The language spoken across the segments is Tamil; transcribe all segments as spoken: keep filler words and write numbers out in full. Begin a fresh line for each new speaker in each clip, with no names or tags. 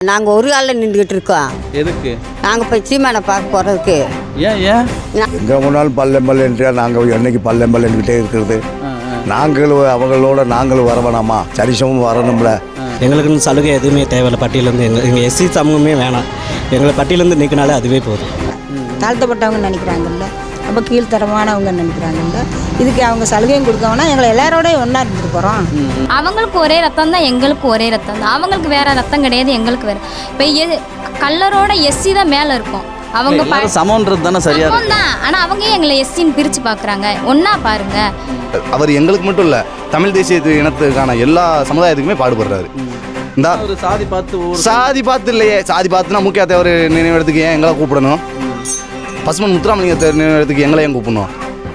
நாங்கள் ஒரு ஆளில் நின்றுக்கிட்டு இருக்கோம்.
எதுக்கு?
நாங்கள் போய் சீமானை பார்க்க போகிறதுக்கு.
ஏன் ஏன்
எங்கே போனாலும் பல்லெம்பல் என்றா நாங்கள் என்னைக்கு பல்லெம்பல் என்கிட்டே இருக்கிறது. நாங்களும் அவங்களோட நாங்களும் வர வேணாமா? சரிசமும் வரணும்ல.
எங்களுக்குன்னு சலுகை எதுவுமே தேவையில்லை. பட்டியலேருந்து எங்கள் எங்கள் எஸ்சி சமூகமே வேணாம். எங்களை பட்டியலேருந்து நீக்கினாலே அதுவே போதும்.
தாழ்த்தப்பட்டவங்க நினைக்கிறாங்கல்ல, அப்போ கீழ்த்தரமானவங்க நினைக்கிறாங்கல்ல, இதுக்கு அவங்க சலுகையும் கொடுக்கணும்னா எங்களை எல்லாரோடய ஒன்றா இருந்துட்டு போகிறோம். அவங்களுக்கு ஒரே ரத்தம் தான், எங்களுக்கு ஒரே ரத்தம் தான். அவங்களுக்கு வேறு ரத்தம் கிடையாது, எங்களுக்கு வேறு. இப்போ எது கல்லரோட எஸ்சி தான் மேலே இருக்கும். அவங்க
சமன்றது தானே சரியா
தான். ஆனால் அவங்க எங்களை எஸ்சின்னு பிரித்து பார்க்குறாங்க. ஒன்றா பாருங்க.
அவர் எங்களுக்கு மட்டும் இல்லை, தமிழ் தேசிய இனத்துக்கான எல்லா சமுதாயத்துக்குமே பாடுபடுறாரு. இந்த
ஒரு சாதி பார்த்து
சாதி பார்த்து இல்லையே, சாதி பார்த்துனா முக்கிய தேவர் நினைவிடத்துக்கு ஏன் எங்களை கூப்பிடணும்? பசுமன் முத்துராமலிங்க தேவர் நினைவிடத்துக்கு எங்களை ஏன் கூப்பிடணும்?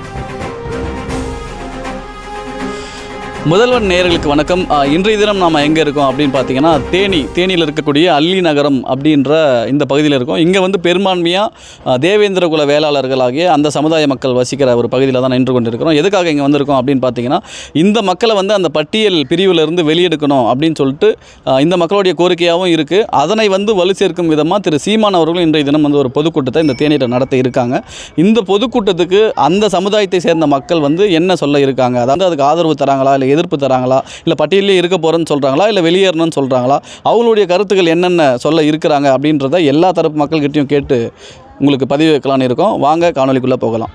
முதல்வன் நேயர்களுக்கு வணக்கம். இன்றைய தினம் நாம் எங்கே இருக்கோம் அப்படின்னு பார்த்தீங்கன்னா தேனி தேனியில் இருக்கக்கூடிய அல்லி நகரம் அப்படின்ற இந்த பகுதியில் இருக்கோம். இங்கே வந்து பெரும்பான்மையாக தேவேந்திர குல வேளாளர்களாகிய அந்த சமுதாய மக்கள் வசிக்கிற ஒரு பகுதியில் தான் நின்று கொண்டு இருக்கிறோம். எதுக்காக இங்கே வந்திருக்கோம் அப்படின்னு பார்த்தீங்கன்னா இந்த மக்களை வந்து அந்த பட்டியல் பிரிவிலிருந்து வெளியெடுக்கணும் அப்படின்னு சொல்லிட்டு இந்த மக்களுடைய கோரிக்கையாகவும் இருக்குது. அதனை வந்து வலு சேர்க்கும் விதமாக திரு சீமான் அவர்களும் இன்றைய தினம் வந்து ஒரு பொதுக்கூட்டத்தை இந்த தேனியில் நடத்த இருக்காங்க. இந்த பொதுக்கூட்டத்துக்கு அந்த சமுதாயத்தை சேர்ந்த மக்கள் வந்து என்ன சொல்ல இருக்காங்க, அதாவது அதுக்கு ஆதரவு தராங்களா, இல்லை எதிர்ப்பு தராங்களா, இல்லை பட்டியலே இருக்க போகிறேன்னு சொல்கிறாங்களா, இல்லை வெளியேறணும்னு சொல்கிறாங்களா, அவங்களுடைய கருத்துக்கள் என்னென்ன சொல்ல இருக்கிறாங்க அப்படின்றத எல்லா தரப்பு மக்கள்கிட்டையும் கேட்டு உங்களுக்கு பதிவு வைக்கலான்னு இருக்கோம். வாங்க காணொலிக்குள்ளே போகலாம்.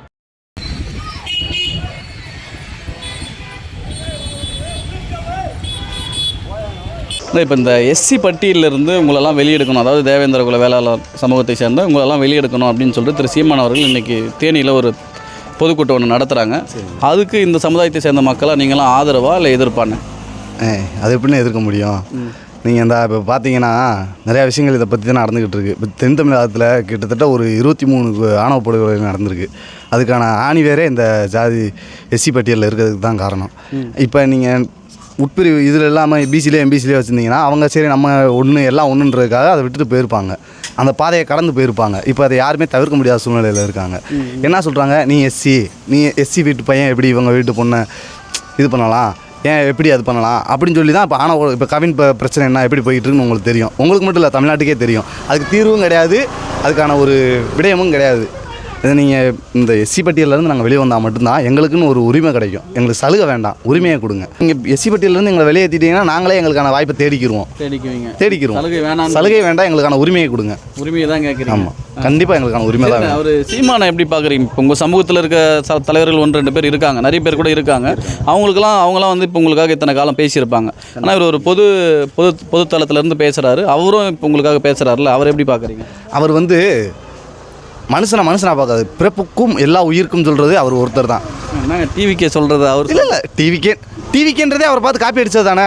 இப்போ இந்த எஸ்சி பட்டியலிருந்து உங்களெல்லாம் வெளியெடுக்கணும், அதாவது தேவேந்திர குல வேளாளர் சமூகத்தை சேர்ந்த உங்களெல்லாம் வெளியெடுக்கணும் அப்படின்னு சொல்லிட்டு திரு சீமான் அவர்கள் இன்றைக்கி தேனியில் ஒரு பொதுக்கூட்டம் ஒன்று நடத்துகிறாங்க. அதுக்கு இந்த சமுதாயத்தை சேர்ந்த மக்களாக நீங்களாம் ஆதரவா இல்லை எதிர்ப்பானே?
அது எப்படின்னு எதிர்க்க முடியும்? நீங்கள் இந்த இப்போ பார்த்தீங்கன்னா நிறையா விஷயங்கள் இதை பற்றி தான் நடந்துக்கிட்டு இருக்குது. இப்போ தென் தமிழகத்தில் கிட்டத்தட்ட ஒரு இருபத்தி மூணு ஆணவ படுகொலை நடந்திருக்கு. அதுக்கான ஆணி வேறே இந்த ஜாதி எஸ்சி பட்டியலில் இருக்கிறதுக்கு தான் காரணம். இப்போ நீங்கள் உட்பிரிவு இதில் இல்லாமல் பிசிலே எம்பிசிலே வச்சுருந்தீங்கன்னா அவங்க சரி நம்ம ஒன்று எல்லாம் ஒன்றுன்றதுக்காக அதை விட்டுட்டு போயிருப்பாங்க, அந்த பாதையை கடந்து போயிருப்பாங்க. இப்போ அதை யாருமே தவிர்க்க முடியாத சூழ்நிலையில் இருக்காங்க. என்ன சொல்கிறாங்க, நீ எஸ்சி நீ எஸ்சி வீட்டு பையன் எப்படி இவங்க வீட்டு பொண்ணை இது பண்ணலாம், ஏன் எப்படி அது பண்ணலாம் அப்படின்னு சொல்லி தான் இப்போ ஆனால் இப்போ கவின் இப்போ பிரச்சனை என்ன எப்படி போயிட்டு இருக்குன்னு உங்களுக்கு தெரியும். உங்களுக்கு மட்டும் இல்லை, தமிழ்நாட்டுக்கே தெரியும். அதுக்கு தீர்வும் கிடையாது, அதுக்கான ஒரு விடயமும் கிடையாது. இது நீங்கள் இந்த எஸ்சி பட்டியலேருந்து நாங்கள் வெளியே வந்தால் மட்டும்தான் எங்களுக்குன்னு ஒரு உரிமை கிடைக்கும். எங்களுக்கு சலுகை வேண்டாம், உரிமையை கொடுங்க. நீங்கள் எஸ்சி பட்டியலேருந்து எங்களை வெளியேற்றிட்டீங்கன்னா நாங்களே எங்களுக்கான வாய்ப்பை தேடிக்கிடுவோம்
தேடிக்குவீங்க
தேடிக்கிறோம்
சலுகை வேணாம்,
சலுகை வேண்டாம், எங்களுக்கான உரிமையை கொடுங்க.
உரிமையை தான் கேட்குறீங்க?
ஆமாம், கண்டிப்பாக எங்களுக்கான உரிமை தான்.
அவர் சீமானை எப்படி பார்க்குறீங்க? இப்போ உங்கள் சமூகத்தில் இருக்க ச தலைவர்கள் ஒன்று ரெண்டு பேர் இருக்காங்க, நிறைய பேர் கூட இருக்காங்க. அவங்களுக்குலாம் அவங்களாம் வந்து இப்போ உங்களுக்காக இத்தனை காலம் பேசியிருப்பாங்க. ஆனால் இவர் ஒரு பொது பொது பொதுத்தளத்திலேருந்து பேசுகிறாரு, அவரும் இப்போ உங்களுக்காக பேசுகிறாருல, அவர் எப்படி பார்க்குறீங்க?
அவர் வந்து மனுஷனை மனுஷனாக பார்க்காது, பிறப்புக்கும் எல்லா உயிருக்கும் சொல்கிறது அவர் ஒருத்தர் தான்.
நாங்கள் டிவிக்கே சொல்கிறது அவர்
இல்லை இல்லை டிவிக்கே டிவிக்கேன்றதே அவர் பார்த்து காப்பி அடித்தது தானே.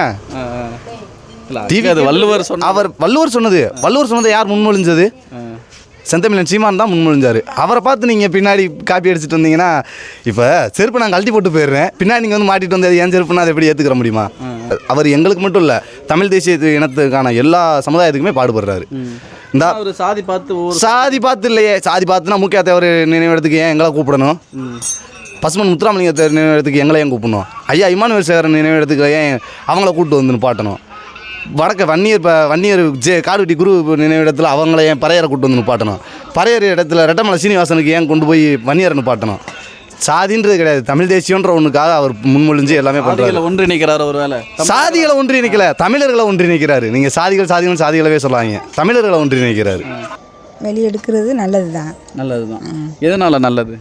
டிவி அது வள்ளுவர் சொன்ன அவர் வள்ளுவர் சொன்னது வள்ளுவர் சொன்னதை யார் முன்மொழிஞ்சது? செந்தமிழன் சீமான் தான் முன்மொழிஞ்சார். அவரை பார்த்து நீங்கள் பின்னாடி காப்பி அடிச்சுட்டு வந்தீங்கன்னா இப்போ செருப்பு நான் கழட்டி போட்டு போயிடுறேன், பின்னாடி நீங்கள் வந்து மாட்டிட்டு வந்தது ஏன் செருப்புன்னா அதை எப்படி ஏற்றுக்கிற முடியுமா? அவர் எங்களுக்கு மட்டும் இல்லை, தமிழ் தேசிய இனத்துக்கான எல்லா சமுதாயத்துக்குமே பாடுபடுறாரு. இந்த
சாதி பார்த்து
சாதி பார்த்து இல்லையே, சாதி பார்த்துனா முக்கிய தேவர் நினைவிடத்துக்கு ஏன் எங்களை கூப்பிடணும்? பசுமன் முத்துராமலிங்க தேவர் நினைவிடத்துக்கு எங்களை ஏன் கூப்பிடணும்? ஐயா இமானுவேல் சேகரன் நினைவிடத்துக்கு ஏன் அவங்கள கூப்பிட்டு வந்து நிப்பாட்டணும்? வடக்க வன்னியர் இப்போ வன்னியர் ஜே காடுவெட்டி குரு நினைவிடத்தில் அவங்கள ஏன் பறையரை கூப்பிட்டு வந்து நிப்பாட்டணும்? பறையர் இடத்துல ரெட்டமலை சீனிவாசனுக்கு ஏன் கொண்டு போய் வன்னியரை நிப்பாட்டணும்? சாதின்றது கிடையாது, தமிழ் தேசியன்ற ஒன்றுக்காக அவர் முன்மொழிஞ்சு எல்லாமே பண்ணுறாரு.
ஒன்று நிற்கிறார். ஒரு வேலை
சாதிகளை ஒன்றி நிற்கல, தமிழர்களை ஒன்றி நிற்கிறாரு. நீங்கள் சாதிகள் சாதிகள் சாதிகளவே சொல்லாங்க, தமிழர்களை ஒன்றி நிற்கிறாரு.
வெளியெடுக்கிறது நல்லது தான்.
நல்லது தான். எதனால் நல்லது?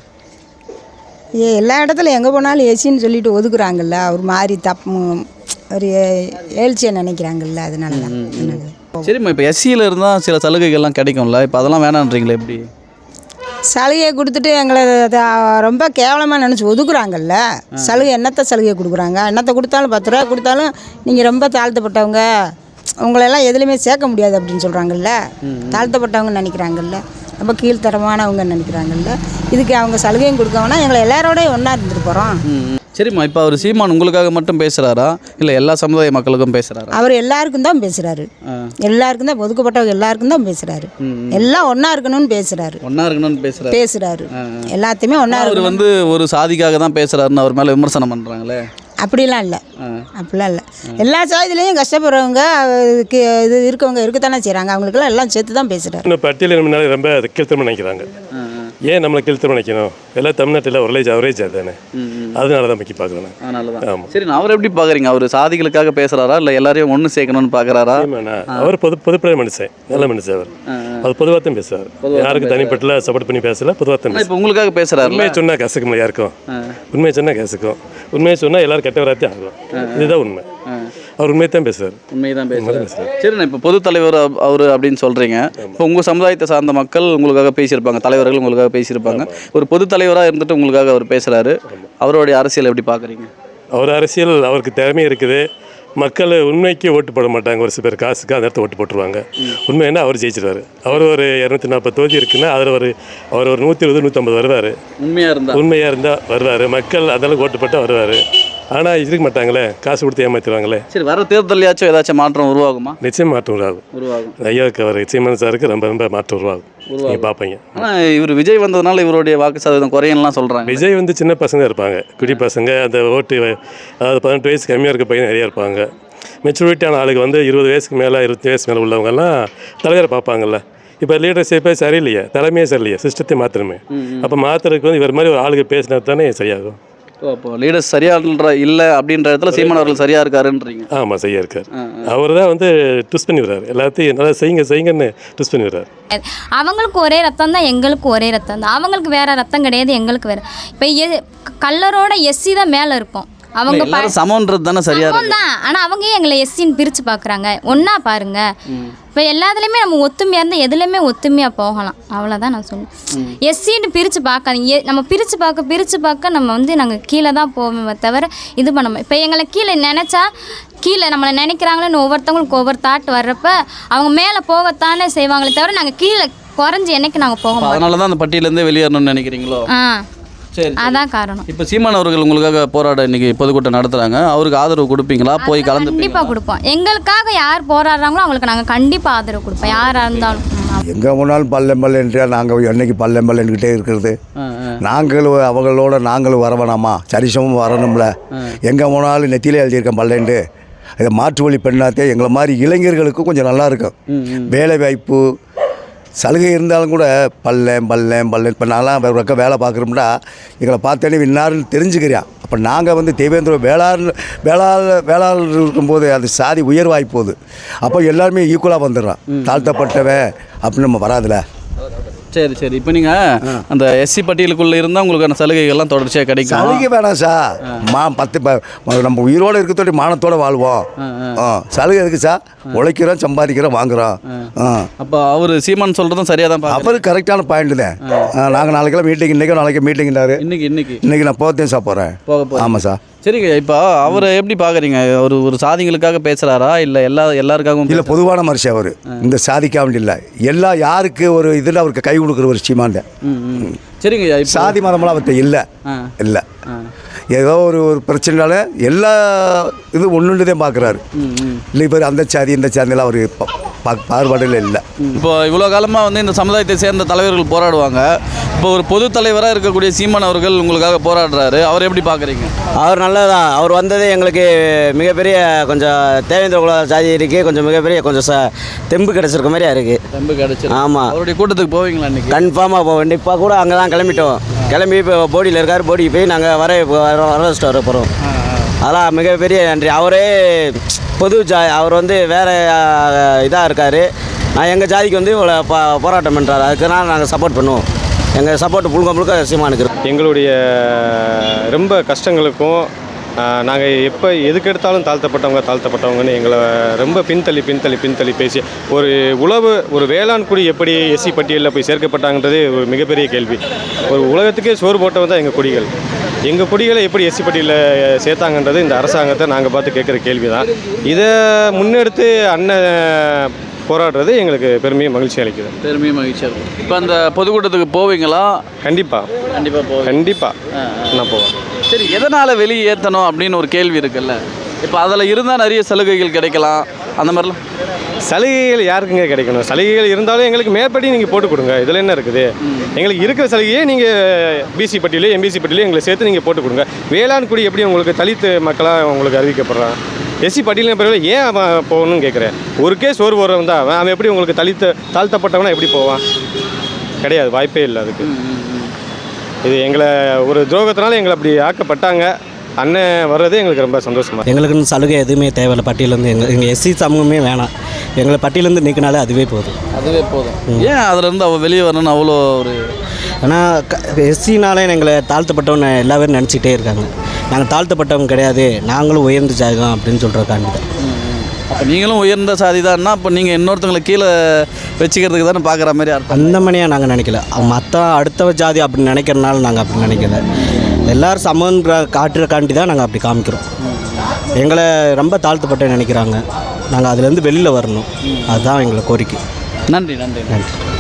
ஏ எல்லா இடத்துல எங்கே போனாலும் எஸ்சின்னு சொல்லிட்டு ஒதுக்குறாங்கல்ல, ஒரு மாதிரி தப்பு ஒரு ஏழ்ச்சியை நினைக்கிறாங்கல்ல, அதனால தான்.
சரிம்மா, இப்போ எஸ்சியில் இருந்தால் சில சலுகைகள்லாம் கிடைக்கும்ல, இப்போ அதெல்லாம் வேணான்றீங்களே எப்படி?
சலுகையை கொடுத்துட்டு எங்களை ரொம்ப கேவலமாக நினச்சி ஒதுக்குறாங்கல்ல. சலுகை என்னத்தை சலுகை கொடுக்குறாங்க? என்னத்தை கொடுத்தாலும் பத்து ரூபா கொடுத்தாலும் நீங்கள் ரொம்ப தாழ்த்தப்பட்டவங்க, உங்களெல்லாம் எதுலேயுமே சேர்க்க முடியாது அப்படின்னு சொல்கிறாங்கல்ல. தாழ்த்தப்பட்டவங்க நினைக்கிறாங்கல்ல, ரொம்ப கீழ்த்தரமானவங்க நினைக்கிறாங்கல்ல, இதுக்கு அவங்க சலுகையும் கொடுக்கணும்னா எங்களை எல்லாரோடய ஒன்றா இருந்துட்டு போகிறோம்.
சரிம்மா, இப்போ அவர் சீமான் உங்களுக்காக மட்டும் பேசுகிறாரா இல்லை எல்லா சமுதாய மக்களுக்கும் பேசுகிறாரா?
அவர் எல்லாருக்கும் தான் பேசுகிறாரு, எல்லாருக்கும் தான், ஒதுக்கப்பட்டவங்க எல்லாருக்கும் தான் பேசுகிறாரு. எல்லாம் ஒன்றா இருக்கணும்னு பேசுகிறாரு,
ஒன்றா இருக்கணும்னு பேசுகிறாரு பேசுகிறாரு
எல்லாத்தையுமே ஒன்றா.
அவர் வந்து ஒரு சாதிக்காக தான் பேசுகிறாருன்னு அவர் மேலே விமர்சனம் பண்ணுறாங்களே.
அப்படிலாம் இல்லை அப்படிலாம் இல்லை எல்லா சாதியிலையும் கஷ்டப்படுறவங்க அதுக்கு இது இருக்கவங்க இருக்கத்தானே செய்கிறாங்க. அவங்களுக்கெல்லாம் எல்லாம் சேர்த்து தான் பேசுகிறார்.
இன்னும் பட்டியல் முன்னாடி ரொம்ப கீழ்த்தரமாக நினைக்கிறாங்க. ஏன் நம்மளை கீழ்த்தரம் நினைக்கணும்? எல்லாம் தமிழ்நாட்டில் ஒரேஜ் அவரேஜ் தானே, அதனால தான் முக்கிய பார்க்குறேன்.
ஆமாம். சரி, நான் அவர் எப்படி பார்க்குறீங்க? அவர் சாதிகளுக்காக பேசுகிறாரா இல்லை எல்லாரையும் ஒன்று சேர்க்கணும்னு பார்க்குறாரா?
அவர் பொது பொதுப்படையாக மனுஷன், நல்ல மனுஷன். அவர் அது பொதுவாக தான் பேசுவார். யாருக்கு தனிப்பட்ட சப்போர்ட் பண்ணி பேசல, பொதுவாக தான்.
இப்போ உங்களுக்காக பேசுகிறாரு.
உண்மையை சொன்னால் கசக்குமா யாருக்கும்? உண்மையை சொன்னால் கசக்கும். உண்மையை சொன்னால் எல்லாரும் கெட்ட வராத்தே ஆகும். இதுதான் உண்மை. அவர் உண்மையை தான் பேசுவார்.
உண்மையை தான் பேசுவார். சரிண்ணா, இப்போ பொது தலைவர் அவர் அப்படின்னு சொல்கிறீங்க. இப்போ உங்கள் சமுதாயத்தை சார்ந்த மக்கள் உங்களுக்காக பேசியிருப்பாங்க, தலைவர்கள் உங்களுக்காக பேசியிருப்பாங்க. ஒரு பொது தலைவராக இருந்துட்டு உங்களுக்காக அவர் பேசுகிறாரு. அவருடைய அரசியல் எப்படி பார்க்குறீங்க?
அவர் அரசியல், அவருக்கு திறமை இருக்குது. மக்கள் உண்மைக்கு ஓட்டு போட மாட்டாங்க. ஒரு சில பேர் காசுக்கு அந்த இடத்த ஓட்டு போட்டுருவாங்க. உண்மை என்ன, அவர் ஜெயிச்சிருவார். அவர் ஒரு இரநூத்தி நாற்பது தொகுதி இருக்குன்னா அதில் ஒரு அவர் ஒரு நூற்றி இருபது நூற்றம்பது வருவார்.
உண்மையாக இருந்தால்
உண்மையாக இருந்தால் வருவார். மக்கள் அதெல்லாம் ஓட்டு போட்டால் வருவார். ஆனால் இருக்க மாட்டாங்களே, காசு கொடுத்து ஏமாற்றிடுவாங்களே.
சரி, வர தேர்தலையாச்சும் ஏதாச்சும் மாற்றம் உருவாகுமா?
நிச்சயம் மாற்றம் உருவாகும்.
உருவாகும்.
ஐயாவுக்கு அவர் சீமான் சாருக்கு ரொம்ப ரொம்ப மாற்றம் உருவாகும். நீங்கள் பார்ப்பீங்க.
ஆனால் இவர் விஜய் வந்ததுனால இவருடைய வாக்கு சதவீதம் குறையலாம் சொல்கிறாங்க.
விஜய் வந்து சின்ன பசங்க இருப்பாங்க, குடி பசங்க. அந்த ஓட்டு அதாவது பதினெட்டு வயசு கம்மியாக இருக்க பையன் நிறையா இருப்பாங்க. மெச்சூரிட்டியான ஆளுக்கு வந்து இருபது வயசுக்கு மேலே இருபத்தி வயசு மேலே உள்ளவங்கெல்லாம் தலைவரை பார்ப்பாங்கல்ல. இப்போ லீடர்ஷிப்பே சரியில்லையே, தலைமையே சரியில்லையே, சிஸ்டத்தை மாற்றணுமே. அப்போ மாற்றுறதுக்கு வந்து இவர் மாதிரி ஒரு ஆளுக்கு பேசினா தானே சரியாகும்.
அப்போ லீடர்ஸ் சரியான்ற இல்லை அப்படின்ற இடத்துல சீமான் அவர்கள் சரியாக இருக்காருன்றீங்க.
ஆமாம், சரியாக இருக்கார். அவர் தான் வந்து ட்விஸ்ட் பண்ணி விடுறாரு. எல்லாத்தையும் நல்லா செய்யுங்க செய்யுங்கன்னு ட்விஸ்ட் பண்ணி விடுறாரு.
அவங்களுக்கு ஒரே ரத்தம் தான், எங்களுக்கு ஒரே ரத்தம் தான். அவங்களுக்கு வேறு ரத்தம் கிடையாது, எங்களுக்கு வேறு. இப்போ எ கல்லரோட எஸ்சி தான் மேலே இருக்கும். அவங்க
சமன்றது தானே சரியா
தான். ஆனால் அவங்க எங்களை எஸ்சின்னு பிரித்து பார்க்குறாங்க. ஒன்றா பாருங்க. இப்போ எல்லாத்துலேயுமே நம்ம ஒத்துமையாக இருந்தால் எதுலேயுமே ஒத்துமையாக போகலாம். அவ்வளோதான் நான் சொல்லுவேன். எஸ்சின்னு பிரித்து பார்க்காதீங்க. நம்ம பிரித்து பார்க்க பிரித்து பார்க்க நம்ம வந்து நாங்கள் கீழே தான் போவோமே தவிர இது பண்ண. இப்போ எங்களை கீழே நினச்சா கீழே நம்மளை நினைக்கிறாங்களேன்னு ஒவ்வொருத்தவங்களுக்கு ஒவ்வொரு தாட் வர்றப்ப அவங்க மேலே போகத்தானே செய்வாங்களே தவிர நாங்கள் கீழே குறைஞ்சி என்னைக்கு நாங்கள் போக மாட்டோம்.
அதனால தான் அந்த பட்டியலேருந்து வெளியேறணும்னு நினைக்கிறீங்களோ?
ஆ,
சரி,
அதான் காரணம்.
இப்போ சீமான் அவர்கள் உங்களுக்காக போராட இன்னைக்கு பொதுக்கூட்டம் நடத்துகிறாங்க. அவருக்கு ஆதரவு கொடுப்பீங்களா? போய் கலந்து
கண்டிப்பாக கொடுப்போம். எங்களுக்காக யார் போராடுறாங்களோ அவங்களுக்கு நாங்கள் கண்டிப்பாக ஆதரவு கொடுப்போம், யாராக இருந்தாலும்.
எங்கே போனாலும் பள்ளம் பல்லன்றியா நாங்கள் என்னைக்கு பள்ளம் பல்லன்கிட்டே இருக்கிறது. நாங்களும் அவங்களோட நாங்களும் வர வேணாமா? சரிசமும் வரணும்ல. எங்கே போனாலும் நெத்தியிலே எழுதியிருக்கேன் பல்லண்டு. இதை மாற்று வழி பெண்ணாத்தே எங்களை மாதிரி இளைஞர்களுக்கு கொஞ்சம் நல்லா இருக்கும். வேலை வாய்ப்பு சலுகை இருந்தாலும் கூட பல்லேன் பல்லேன் பல்லேன். இப்போ நான்லாம் ரொக்க வேலை பார்க்குறோம்னா எங்களை பார்த்தோன்னே இன்னாருன்னு தெரிஞ்சுக்கிறியான். அப்போ நாங்கள் வந்து தேவேந்திர வேளாண் வேளாளர் வேளாளர் இருக்கும்போது அது சாதி உயர்வாகி போகுது. அப்போ எல்லாருமே ஈக்குவலாக வந்துடுறான். தாழ்த்தப்பட்டவன் அப்படின்னு நம்ம வராதுல.
சரி சரி. இப்போ நீங்கள் அந்த எஸ்சி பட்டியலுக்குள்ளே இருந்தால் உங்களுக்கான சலுகைகள்லாம் தொடர்ச்சியாக கிடைக்கும்.
சலுகை வேணாம் சார். மா பத்து நம்ம உயிரோடு இருக்கத்தோடி மானத்தோடு வாழ்வோம். ஆ, சலுகை எதுக்கு சார்? உழைக்கிறோம், சம்பாதிக்கிறோம், வாங்குகிறோம். ஆ,
அப்போ அவர் சீமான் சொல்கிறதும் சரியாக தான் பார்க்க.
அவரு கரெக்டான பாயிண்ட் தான். நாங்கள் நாளைக்கெல்லாம் மீட்டிங், இன்றைக்கும் நாளைக்கு மீட்டிங்னாரு.
இன்னைக்கு இன்னைக்கு
இன்றைக்கி நான் போகத்தையும் சார் போகிறேன்.
போக போகிறேன்.
ஆமாம் சார்.
சரிங்க. இப்போ அவரை எப்படி பார்க்குறீங்க? ஒரு ஒரு சாதிகளுக்காக பேசுகிறாரா இல்லை எல்லா எல்லாருக்காகவும்?
இல்லை, பொதுவான மனுஷன் அவர். இந்த சாதிக்காக இல்லை, எல்லா யாருக்கு ஒரு இதில் அவருக்கு கை கொடுக்குற ஒரு சீமாண்ட.
சரிங்க.
சாதி மதமெல்லாம் அவர்கிட்ட இல்லை இல்லை. ஏதோ ஒரு ஒரு பிரச்சனைனால எல்லா இது ஒன்று தான் பார்க்குறாரு. இல்லை இப்போ அந்த சாதி இந்த சாதியெல்லாம் அவர் பாகுபாடுல இல்லை.
இப்போ இவ்வளோ காலமாக வந்து இந்த சமுதாயத்தை சேர்ந்த தலைவர்கள் போராடுவாங்க. இப்போ ஒரு பொது தலைவராக இருக்கக்கூடிய சீமான் அவர்கள் உங்களுக்காக போராடுறாரு. அவர் எப்படி பார்க்குறீங்க?
அவர் நல்லதான். அவர் வந்ததே எங்களுக்கு மிகப்பெரிய கொஞ்சம் தேவேந்திர குல சாதிக்கு கொஞ்சம் மிகப்பெரிய கொஞ்சம் ச தெம்பு கிடச்சிருக்க மாதிரியா இருக்குது.
தெம்பு கிடச்சி.
ஆமாம்.
அவருடைய கூட்டத்துக்கு போவீங்களா இன்றைக்கி?
கன்ஃபார்மாக போவோம். இப்போ கூட அங்கே தான் கிளம்பிட்டோம். கிளம்பி இப்போ போடியில் இருக்கார். போடிக்கு போய் நாங்கள் வர வர வர போகிறோம். அதெல்லாம் மிகப்பெரிய நன்றி. அவரே பொது ஜா அவர் வந்து வேறு இதாக இருக்கார். நான் எங்கள் ஜாதிக்கு வந்து இவ்வளோ பா போராட்டம் பண்ணுறாரு. அதுக்குனால் நாங்கள் சப்போர்ட் பண்ணுவோம். எங்கள் சப்போர்ட் முழுக்க முழுக்க சீமானுக்கு.
எங்களுடைய ரொம்ப கஷ்டங்களுக்கும் நாங்கள் எப்போ எதுக்கு எடுத்தாலும் தாழ்த்தப்பட்டவங்க தாழ்த்தப்பட்டவங்கன்னு எங்களை ரொம்ப பின்தள்ளி பின்தள்ளி பின்தள்ளி பேசி ஒரு உழவு ஒரு வேளாண் குடி எப்படி எஸ்சி பட்டியலில் போய் சேர்க்கப்பட்டாங்கன்றது ஒரு மிகப்பெரிய கேள்வி. ஒரு உலகத்துக்கே சோறு போட்டவங்க தான் எங்கள் குடிகள். எங்கள் குடிகளை எப்படி எஸ்சி பட்டியலில் சேர்த்தாங்கன்றது இந்த அரசாங்கத்தை நாங்கள் பார்த்து கேட்குற கேள்வி தான். இதை முன்னெடுத்து அண்ணன் போராடுறது எங்களுக்கு பெருமையும் மகிழ்ச்சி அளிக்குது.
பெருமையும் மகிழ்ச்சியாக இருக்கும். இப்போ அந்த பொதுக்கூட்டத்துக்கு போவீங்களா?
கண்டிப்பாக
கண்டிப்பாக போவேன்.
கண்டிப்பாக நான் போவேன்.
சரி, எதனால் வெளியே ஏற்றணும் அப்படின்னு ஒரு கேள்வி இருக்குல்ல. இப்போ அதில் இருந்தால் நிறைய சலுகைகள் கிடைக்கலாம் அந்த மாதிரிலாம்.
சலுகைகள் யாருக்குங்க கிடைக்கணும்? சலுகைகள் இருந்தாலும் எங்களுக்கு மேற்படி நீங்கள் போட்டு கொடுங்க. இதில் என்ன இருக்குது? எங்களுக்கு இருக்கிற சலுகையே நீங்கள் பிசி பட்டியலோ எம்பிசி பட்டியலோ எங்களை சேர்த்து நீங்கள் போட்டு கொடுங்க. வேளாண் குடி எப்படி உங்களுக்கு தலித்து மக்களாக உங்களுக்கு அறிவிக்கப்படுறான்? எஸ்சி பட்டியலின் பிறகு ஏன் அவன் போகணும்னு கேட்குறேன். ஒரு கேஸ் ஒரு வரவன் தான் அவன் அவன் எப்படி உங்களுக்கு தலித்து தாழ்த்தப்பட்டவனா எப்படி போவான்? கிடையாது, வாய்ப்பே இல்லை அதுக்கு. இது எங்களை ஒரு துரோகத்தினால எங்களை அப்படி ஆக்கப்பட்டாங்க. அண்ணன் வர்றது எங்களுக்கு ரொம்ப சந்தோஷமாக.
எங்களுக்குன்னு சலுகை எதுவுமே தேவையில்லை. பட்டியலேருந்து எங்கள் எங்கள் எஸ்சி சமூகமே வேணாம். எங்களை பட்டியலேருந்து நீக்கினாலே அதுவே போதும்.
அதுவே போதும். ஏன் அதுலேருந்து அவள் வெளியே வரணும்னு அவ்வளோ ஒரு
ஆனால் க எஸ்சினாலே எங்களை தாழ்த்தப்பட்டவங்க எல்லா பேரும் நினச்சிக்கிட்டே இருக்காங்க. நாங்கள் தாழ்த்தப்பட்டவங்க கிடையாது, நாங்களும் உயர்ந்த ஜாதகம் அப்படின்னு சொல்கிறக்காண்டி தான்.
அப்போ நீங்களும் உயர்ந்த சாதி தான்னா அப்போ நீங்கள் இன்னொருத்தங்களை கீழே வச்சுக்கிறதுக்கு தானே பார்க்குற மாதிரி அர்த்தம்.
அந்த மாதிரியாக நாங்கள் நினைக்கல. மற்ற அடுத்த ஜாதி அப்படி நினைக்கிறனால நாங்கள் அப்படி நினைக்கல. எல்லோரும் சமன்ற காட்டுறக்காண்டி தான் நாங்கள் அப்படி காமிக்கிறோம். எங்களை ரொம்ப தாழ்த்தப்பட்ட நினைக்கிறாங்க. நாங்கள் அதுலேருந்து வெளியில் வரணும். அதுதான் எங்களை கோரிக்கை.
நன்றி நன்றி
நன்றி.